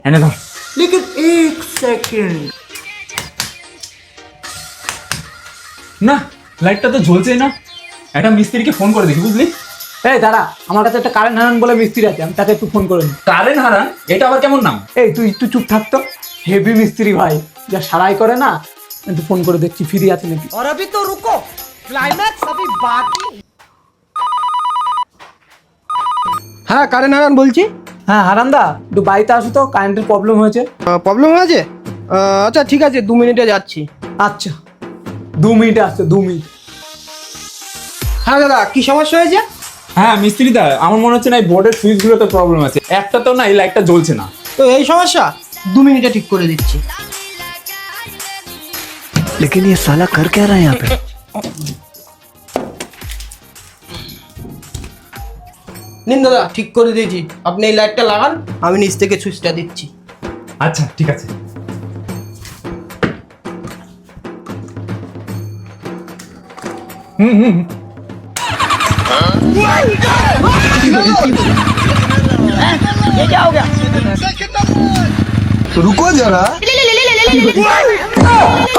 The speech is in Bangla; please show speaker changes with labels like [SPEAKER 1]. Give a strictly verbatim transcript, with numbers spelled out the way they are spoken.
[SPEAKER 1] এনে ধর।
[SPEAKER 2] लेकिन एक सेकंड
[SPEAKER 1] না, লাইটটা তো জ্বলছেই না। একটা মিস্ত্রিকে ফোন করে দেখি, বুঝলি?
[SPEAKER 2] এই দাঁড়া, আমার কাছে একটা কারেন্ট হারান বলে মিস্ত্রি আছে, আমি তাকে একটু ফোন করে নিই।
[SPEAKER 1] কারেন্ট হারান? এটা আবার কেমন নাম?
[SPEAKER 2] এই তুই একটু চুপ থাকতো, হেভি মিস্ত্রি ভাই, যা সারাই করে না। একটু ফোন করে দেখছি ফ্রি আছে নাকি।
[SPEAKER 3] और अभी तो रुको, क्लाइमैक्स अभी बाकी।
[SPEAKER 4] হ্যাঁ কারেন্ট হারান বলছি।
[SPEAKER 2] হ্যাঁ হারান্দা, একটু বাড়িতে আসো তো, কারেন্টের প্রবলেম হয়েছে।
[SPEAKER 4] প্রবলেম হয়েছে? আহ, আচ্ছা ঠিক আছে, দু মিনিটে যাচ্ছি।
[SPEAKER 2] আচ্ছা, দু মিনিটে আসছে, দু মিনিট।
[SPEAKER 4] হ্যাঁ দাদা, কি সমস্যা হয়েছে?
[SPEAKER 1] হ্যাঁ মিস্ত্রি দা, আমার মনে হচ্ছে না এই বোর্ডের সুইচগুলোতে প্রবলেম আছে। একটা তো না, এই লাইটটা জ্বলছে না।
[SPEAKER 4] তো এই সমস্যা, দু মিনিটে ঠিক করে দিচ্ছি।
[SPEAKER 5] लेकिन ये साला कर क्या रहा है यहाँ पे?
[SPEAKER 4] নিন দাদা, ঠিক করে দিয়েছি। আপনি এই লাইটটা লাগান, আমি নিচ থেকে সুইচটা দিচ্ছি।
[SPEAKER 1] আচ্ছা ঠিক আছে। হুম হুম
[SPEAKER 5] रुको जरा।